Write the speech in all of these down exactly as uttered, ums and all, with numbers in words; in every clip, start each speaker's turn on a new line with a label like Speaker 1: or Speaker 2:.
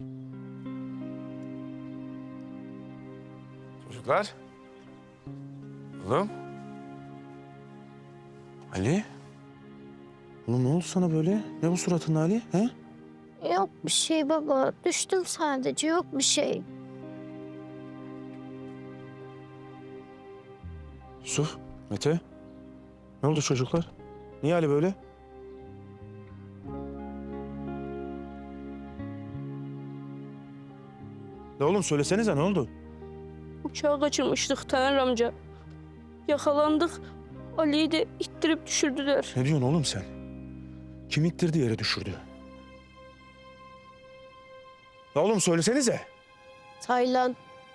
Speaker 1: Çocuklar. Oğlum. Ali. Oğlum ne oldu sana böyle? Ne bu suratın Ali? He?
Speaker 2: Yok bir şey baba. Düştüm sadece. Yok bir şey.
Speaker 1: Yusuf, Mete. Ne oldu çocuklar? Niye Ali böyle? Ne oğlum söylesenize ne oldu?
Speaker 3: Uçağa kaçırmıştık Taner amca. Yakalandık. Ali'yi de ittirip düşürdüler.
Speaker 1: Ne diyorsun oğlum sen? Kim ittirdi yere düşürdü? Ya oğlum söylesenize.
Speaker 2: Taylan.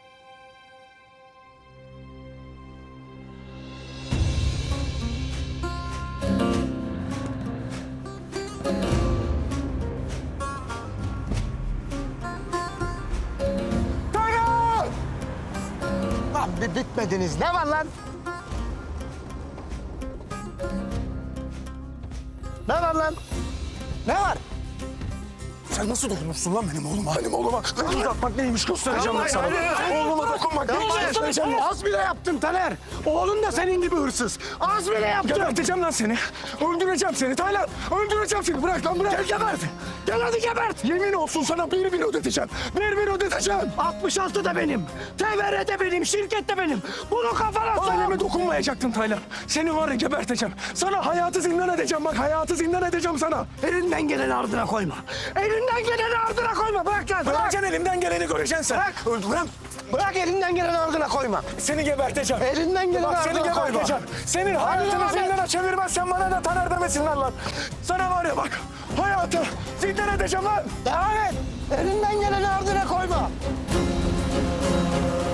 Speaker 4: Lan bir bitmediniz. Ne var lan? Ne var lan? Ne var?
Speaker 1: Sen nasıl dokunursun lan benim oğluma? Benim oğluma. Uzatmak neymiş göstereceğim ben sana. Oğluma dokunmak neymiş göstereceğim ben.
Speaker 4: Az bile yaptın Taner. Oğlun da senin gibi hırsız. Az bile yaptın.
Speaker 1: Geberteceğim lan seni. Öldüreceğim seni Taylan. Öldüreceğim seni. Bırak lan bırak.
Speaker 4: Gel gebert. Gel hadi gebert.
Speaker 1: Yemin olsun sana bir bin ödeteceğim. Bir bin ödeteceğim.
Speaker 4: altmış altı da benim. T V R de benim. Şirket de benim. Bunu kafana sok.
Speaker 1: Aileme dokunmayacaktın Taylan. Seni var ya geberteceğim. Sana hayatı zindan edeceğim bak. Hayatı zindan edeceğim sana.
Speaker 4: Elinden geleni ardına koyma. Elinden geleni ardına koyma. Bırak lan. Bırak.
Speaker 1: Bırakacaksın elimden geleni göreceksin sen.
Speaker 4: Bırak.
Speaker 1: Öldürem.
Speaker 4: Bırak elinden geleni ardına koyma.
Speaker 1: Seni geberteceğim.
Speaker 4: Elinden geleni
Speaker 1: Bak seni
Speaker 4: ardına koyma.
Speaker 1: geberteceğim. Senin hayatını
Speaker 4: Hadi.
Speaker 1: zindana çevirmezsen bana da Taner demesinler lan. Sana var ya bak. Hayatı zindan edeceğim lan.
Speaker 4: Devam et. Elinden geleni ardına koyma.